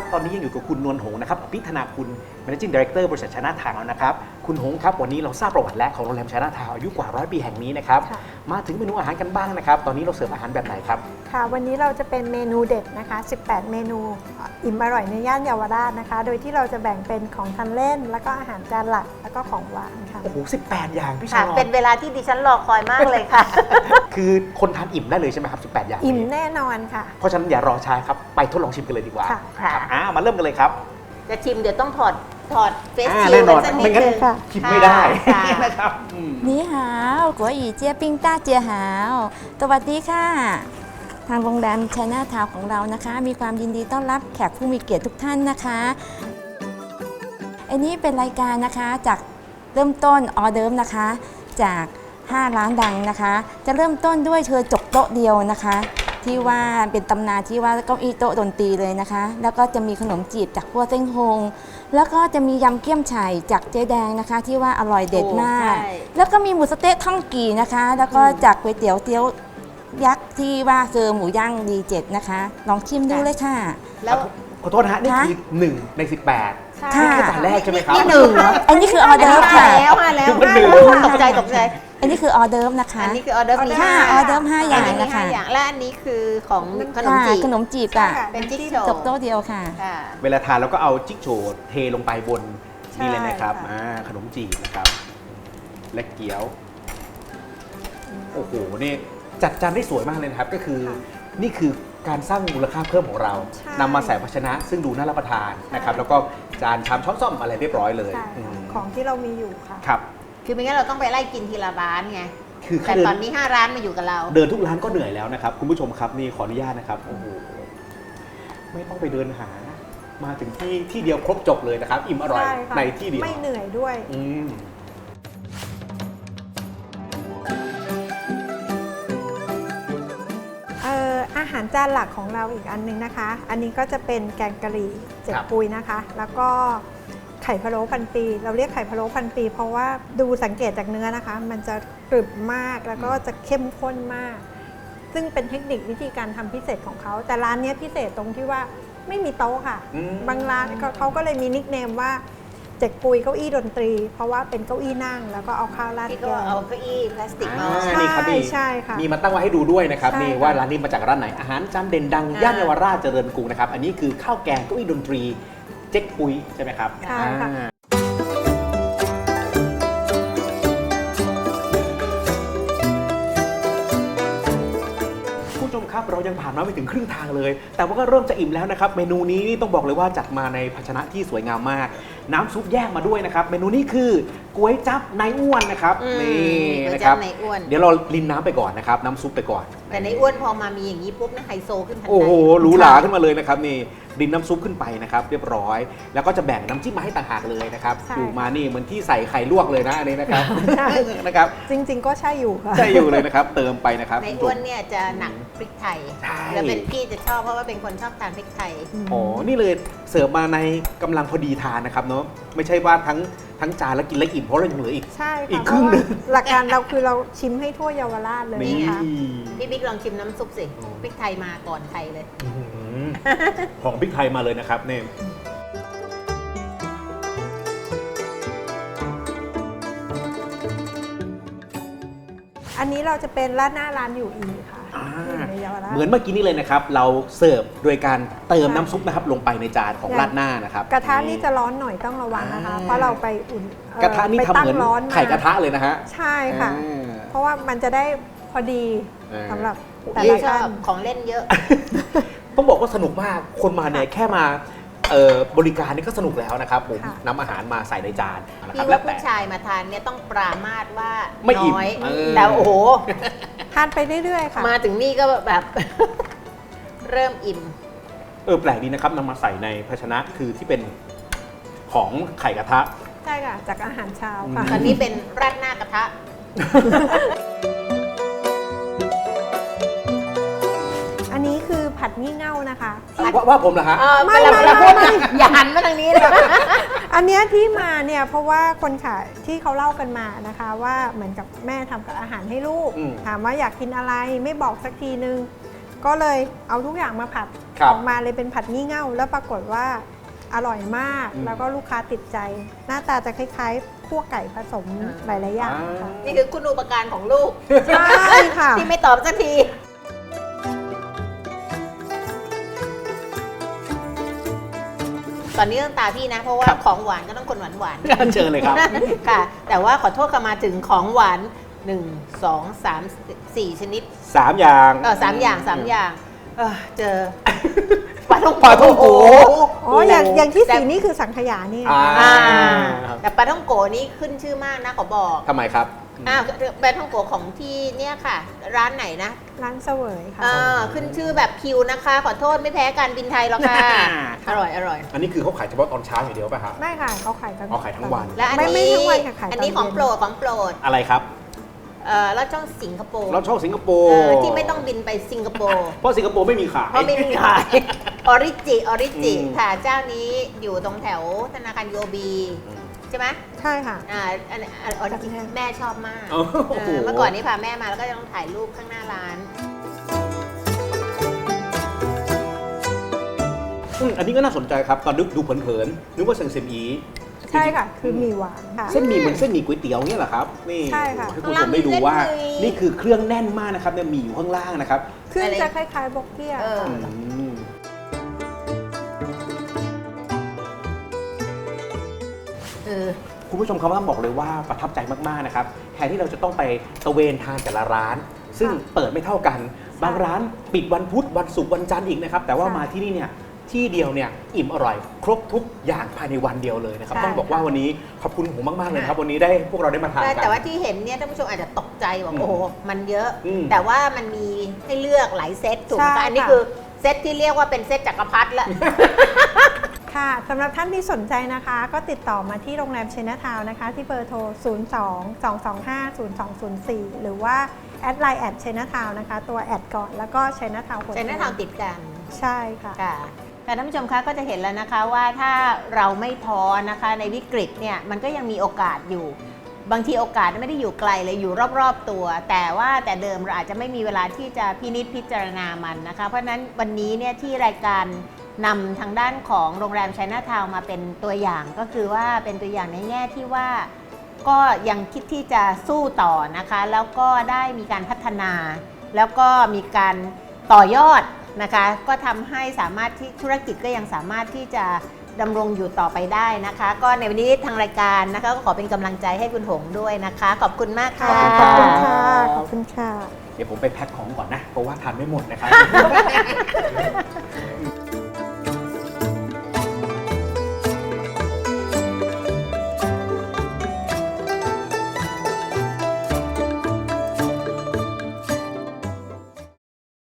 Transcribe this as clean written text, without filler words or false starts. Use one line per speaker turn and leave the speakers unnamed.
ตอนนี้ยังอยู่กับคุณนวลหงส์นะครับพิธนาคุณ Managing Director บริษัทชนะทาวน์นะครับคุณหงส์ครับวันนี้เราทราบประวัติแล้วของโรงแรมชนะทาวน์อายุกว่า100 ปีแห่งนี้นะครับมาถึงเมนูอาหารกันบ้างนะครับตอนนี้เราเสิร์ฟอาหารแบบไหนครับ
ค่ะวันนี้เราจะเป็นเมนูเด็ดนะคะ18 เมนูอิ่มอร่อยในย่านเยาวราชนะคะโดยที่เราจะแบ่งเป็นของทานเล่นแล้วก็อาหารจานหลักแล้วก็ของหวานค่ะ
โอ้โห18 อย่างพี่ชา
ค่ะ
ลอ
เป็นเวลาที่ดิฉันรอคอยมากเลยค่ะ
คือคนทานอิ่มได้เลยใช่ไหมครับ18 อย่าง
อิ่มแน่นอนค่ะ
เพราะฉะนั้นอย่ารอช้าครับไปทดลองชิมกันเลยดีกว่า
ค่ะ
ครับมาเริ่มกันเลยครับ
จะชิมเดี๋ยวต้องถอดเฟสชิล
แน่นอน
สักนิ
ไม่
ด
งั้น
นึง
ชิมไม่ได้
ค่ะ
นะครับ
你好国语เจี๊ยปิ้งต้าเจียหาวสวัสดีค่ะ ทางโรงแรมชัยนาทาวน์ของเรานะคะ มีความยินดีต้อนรับแขกผู้มีเกียรติทุกท่านนะคะอันนี้เป็นรายการนะคะจากเริ่มต้นออเดิร์ฟนะคะจาก5 ร้านดังนะคะ จะเริ่มต้นด้วยเธอจกโต๊ะเดียวนะคะ ที่ว่าเป็นตำนานที่ว่าเก้าอี้โต๊ะดนตรีเลยนะคะ แล้วก็จะมีขนมจีบจากพัวเส้งฮงแล้วก็จะมียำเกี๊ยมไฉ่จากเจ๊แดงนะคะ ที่ว่าอร่อยเด็ดมาก
โอ้ใช่
แล้วก็มีหมูสะเต๊ะท่องกี่นะคะ แล้วก็จากก๋วยเตี๋ยวเตี๋ยวยักษ์ที่ว่าเซอร์หมูย่างดีเจ็ดนะคะลองชิมดูเลยค่ะ
แล้ว
ขอโทษนะฮะนี่คือ1 ใน 18
ใช่
นี่คือจานแรกใช่ไหมครับ
นี่หนึ่งเหรอ
อันนี้คือออเดิร์ฟค่ะ
มาแล้ว
คือมันหนึ่ง
ตกใจตกใจ
อันนี้คือออเดิร์ฟนะคะ
อันนี้คือออเดอร์มี
ค่ะออเดิร์ฟ5 อย่าง
มี
นะคะ
5 อย่างและอันนี้คือของขนม
ค่ะ
จีบ
ขนมจีบอ่ะ
เป็นจิ๊กโจ
จบโต๊ะเดียวค่ะ
ค่ะ
เวลาทานเราก็เอาจิ๊กโฉดเทลงไปบน
ใช่
นี่เลยนะครับ
ค่ะ
ขนมจีบนะครับ และเกี๊ยว โอ้โห นี่จัดจานได้สวยมากเลยนะครับ ก็คือนี่คือการสร้างมูลค่าเพิ่มของเรา
ใช่
นำมาใส่ภาชนะ ซึ่งดูน่ารับประทานนะครับ แล้วก็จานชามช้อนส้อมอะไรเรียบร้อยเลย
ใช่
อื
ค่ะ
ม
ของที่เรามีอยู่ค่ะ
ครับ
คือไม่งั้นเราต้องไปไล่กินทีละร้านไง
คือ
แต่
แค่เดิ
ตอน นนี้5 ร้านมาอยู่กับเรา
เดินทุกร้านก็เหนื่อยแล้วนะครับ คุณผู้ชมครับนี่ขออนุญาตนะครับ โอ้โห ไม่ต้องไปเดินหา มาถึงที่เดียวครบจบเลยนะครับ อิ่มอร่อย
ใช่ค่ะ
ในที่เดียว
ไม่เหนื่อยด้วย
อืม
อาหารจานหลักของเราอีกอันนึงนะคะ อันนี้ก็จะเป็นแกงกะหรี่เจ็ด
ครับ
ปุยนะคะ แล้วก็ไข่พะโล้พันปี เราเรียกไข่พะโล้พันปี เพราะว่าดูสังเกตจากเนื้อนะคะ มันจะกรึบมากแล้วก็จะเข้มข้นมาก ซึ่งเป็นเทคนิควิธีการทำพิเศษของเขา แต่ร้านนี้พิเศษตรงที่ว่าไม่มีโต๊ะค่ะ
อืม
บางร้านเขาก็เลยมีนิคเนมว่าเจ็กปุยเก้าอี้ดนตรี เพราะว่าเป็นเก้าอี้นั่งแล้วก็เอาข้าวราด
ที่
แก
ก็
ง
เอาเก้าอี้พลาสติกมา
ใช่
นี่ครับนี่
ใช่ค่ะ
มีมาตั้งไว้ให้ดูด้วยนะครับ
ใช่
นี่
ค่ะ
ว่าร้านนี้มาจากร้านไหนอาหารจานเด่นดัง
อ่า
ย่านเยาวราชเจริญกรุงนะครับ อันนี้คือข้าวแกงเก้าอี้ดนตรีเจ๊กปุยใช่ไหมครับ
ใช่ค่ะ
อ่าผู้ชมครับเรายังผ่านมาไม่ถึงครึ่งทางเลย แต่ว่าก็เริ่มจะอิ่มแล้วนะครับ เมนูนี้นี่ต้องบอกเลยว่าจัดมาในภาชนะที่สวยงามมาก น้ำซุปแยกมาด้วยนะครับ เมนูนี้คือก๋วยจั๊บนายอ้วนนะครับ
อืม
นี่
ก๋วย
นะค
จั๊
รั
บบ ในอ้วน
เดี๋ยวเราลินน้ำไปก่อนนะครับน้ำซุปไปก่อน
แต่ในอ้วนพอมามีอย่างนี้ปุ๊บนะไฮโซขึ้นทัน
โอ้โห
ใด
หรูหราขึ้นมาเลยนะครับนี่ดินน้ำซุปขึ้นไปนะครับเรียบร้อย แล้วก็จะแบ่งน้ำจิ้มมาให้ต่างหากเลยนะครับ
ใช่
อยู่มานี่เหมือนที่ใส่ไข่ลวกเลยนะอันนี้นะครับ
ใช่
นะครับ
จริง ๆ ก็ใช่อยู่ค่ะ
ใช่อยู่เลยนะครับ เติมไปนะครับ
ในอ้วนเนี่ยจะหนักพริกไทย
ใช่
แล้วเป็นพี่จะชอบเพราะว่าเป็นคนชอบทานพริกไทย
อ๋อนี่เลยเสิร์ฟมาในกำลังพอดีทานนะครับเนาะไม่ใช่ว่าทั้งจานแล้วกินแล้วอิ่มเพราะเรายังเหลืออีก
ใช่
อี
ค่ะ
กครึ่งหนึ่ง
เพราะว่าหลักการเราคือเราชิมให้ทั่วเยาวราชเลย
นี่
นะคะ
พี่บิ๊กลองชิมน้ำซุปสิพริกไทยมาก่อนใครเลย
อื้อหือของพริกไทยมาเลยนะครับเนี่ย
อันนี้เราจะเป็นราดหน้าร้านอยู่อีค่ะ
อ่า
ที่อยู่ในเยาวราช
เหมือนเมื่อกี้นี้เลยนะครับ เราเสิร์ฟโดยการเติม
ใช่
น้ำซุปนะครับลงไปในจานของ
อย่าง
ราดหน้านะครับ
กระทะนี่จะร้อนหน่อยต้องระวังนะคะ
อ่า
เพราะเราไปอุ่น
กระทะนี่
ไป
ทำ
ตั้
เหมือน
งร้อน
ไข่กระทะเลยนะฮะ
ใช่ค่ะ
อ่า
เพราะว่ามันจะได้พอดี
อ่า
สำหรับแต่
พี่
ละ
ชอ
ท่า
บ
น
ของเล่นเยอะ
ต้องบอกว่าสนุกมาก คนมาเนี่ยแค่มาบริการนี่ก็สนุกแล้วนะครับผม
ค่ะ
นำอาหารมาใส่ในจานนะค
พี่
รับ
ว่า
แล้วแต่
ผู้ชายมาทานเนี่ยต้องปรามาสว่า
ไม่อิ่ม
น้อย
เออ
แต่โอ้โห
ทานไปเรื่อยๆค่ะ
มาถึงนี่ก็แบบ เริ่มอิ่ม
แปลกดีนะครับนำมาใส่ในภาชนะคือที่เป็นของไข่กระทะ
ใช่ค่ะ จากอาหารเช้าค่ะ
ตอนนี้เป็นราดหน้ากระทะ
อันนี้คือผัดงี่เง่านะคะ
ว่าผมเหรอฮะ
ไม่
เรา
ไม่
เรา
ไม่
พูด
ไม่
อย่าหันมาทางนี้เลย
อันเนี้ยที่มาเนี่ยเพราะว่าคนขายที่เขาเล่ากันมานะคะ ว่าเหมือนกับแม่ทำกับอาหารให้ลูก
อืม
ถามว่าอยากกินอะไรไม่บอกสักทีนึงก็เลยเอาทุกอย่างมาผัด
ครับ
ออกมาเลยเป็นผัดงี่เง่าแล้วปรากฏว่าอร่อยมาก
อืม
แล้วก็ลูกค้าติดใจ หน้าตาจะคล้ายๆคั่วไก่ผสมหลายๆอย่างค่ะ
นี่คือคุณอุปการของลูก
ใช่ค่ะ
ที่ไม่ตอบสักที ตอนนี้ต้องตาพี่นะ เพราะว่า
ครับ
ของหวานก็ต้องคนหวานหวาน
เชิญเลยครับ
ค่ะ แต่ว่าขอโทษค่ะมาถึงของหวาน 1 2 3 4 ชนิด
3 อย่าง
3 อย่าง 3 อย่างเจอปลาท่อง
ปลาท่องโก
อ๋ออย่างที่
แต่
สีนี่คือสังขยานี่
อ่า
แต่ปลาท่องโกนี่ขึ้นชื่อมากนะขอบอก
ทำไมครับ
ปลาท่องโกของที่เนี่ยค่ะ ร้านไหนนะ
ร้านเสวยค่ะ
ขึ้นชื่อแบบคิวนะคะ ขอโทษไม่แพ้การบินไทยหรอกค่ะ อร่อยอร่อย
อันนี้คือเขาขายเฉพาะตอนเช้าอย่างเดียวป่ะครับ
ไม่ค่ะเขาขายทั้ง
อ๋อขายทั้งวัน
และอัน
ไม่
นี้
ทั้งวันค่ะขายตอน
อันนี้ของ
เย็น
โปรดของโปรด
อะไรครับ
ลอดช่องสิงคโปร์
เราชอบสิงคโป
เอ
ร์
อที่ไม่ต้องบินไปสิงคโปร์
เพราะสิงคโปร์ไม่มีขาย
เพราะไม่มีขายออริจิ
อืม
ค่ะเจ้านี้อยู่ตรงแถวธนาคารโยบีใช่ไหม
ใช่ค่ะ
อันออริจิแม่ชอบมาก
โอ้โห
เมื่อก่อนนี้พาแม่มาแล้วก็ต้องถ่ายรูปข้างหน้าร้าน
อันนี้ก็น่าสนใจครับ ตอนดูเผินๆนึกว่าเซงเซมอี
ใช่ค่ะ คือหมี่หวานค่ะ
เส้นหมี่เหมือนเส้นหมี่ก๋วยเตี๋ยวเนี่ยเหรอครับ นี่
ใช่ค่ะ
ให้คุณผู้ชมได้ดูว่า
เส้นหมี่
นี่คือเครื่องแน่นมากนะครับเนี่ยหมี่อยู่ข้างล่างนะครับ
เครื่อง
อะไร
จะคล้ายๆบกเกี้ย
เออ
ค่ะ
อืมคุณผู้ชมครับต้องบอกเลยว่าประทับใจมากๆนะครับแทนที่เราจะต้องไปตะเวนทานแต่ละร้าน ซึ่งเปิดไม่เท่ากัน บางร้านปิดวันพุธวันศุกร์วันจันทร์อีกนะครับแต่ว่ามาที่นี่เนี่ยที่เดียวเนี่ยอิ่มอร่อย ครบทุกอย่างภายในวันเดียวเลยนะครับต้องบอกว่าวันนี้ขอบคุณผมมากๆเลยนะครับวันนี้ได้พวกเราได้มาทานกัน
แต่ว่าที่เห็นเนี่ยท่านผู้ชมอาจจะตกใจบอก
อืม
โอ้โหมันเยอะ
อืม
แต่ว่ามันมีให้เลือกหลายเซตถูกไหม
ใช่
คะอันนี้
ค่ะ
คือเซตที่เรียกว่าเป็นเซตจักรพรรดิละ
ค่ะสำหรับท่านที่สนใจนะคะ ก็ติดต่อมาที่โรงแรมเชน a ทาวน์นะคะ ที่เบอร์โทร 02-225-0204 หรือว่าแอดไลน์แอดเชน a ทาวน์นะคะ ตัวแอดก่อนแล้วก็เชน a ทาวน์
ใช้หน้าทางติดกัน
ใช่ค่ะ
ค่ะแต่ท่านผู้ชมคะก็จะเห็นแล้วนะคะว่าถ้าเราไม่ท้อนะคะในวิกฤตเนี่ยมันก็ยังมีโอกาสอยู่ บางทีโอกาสไม่ได้อยู่ไกลเลยอยู่รอบๆตัว แต่ว่าแต่เดิมเราอาจจะไม่มีเวลาที่จะพินิจพิจารณามันนะคะ เพราะฉะนั้นวันนี้เนี่ยที่รายการนำทางด้านของโรงแรมไชน่าทาวน์มาเป็นตัวอย่างก็คือว่าเป็นตัวอย่างในแง่ที่ว่าก็ยังคิดที่จะสู้ต่อนะคะ แล้วก็ได้มีการพัฒนา แล้วก็มีการต่อยอดนะคะก็ทำให้สามารถที่ธุรกิจก็ยังสามารถที่จะดำรงอยู่ต่อไปได้นะคะ ก็ในวันนี้ทางรายการนะคะก็ขอเป็นกำลังใจให้คุณหงด้วยนะคะ ขอบคุณมากค่ะ
ขอบคุณค่ะ ขอบคุณค่ะ
เดี๋ยวผมไปแพ็คของก่อนนะ เพราะว่าทานไม่หมดนะครับ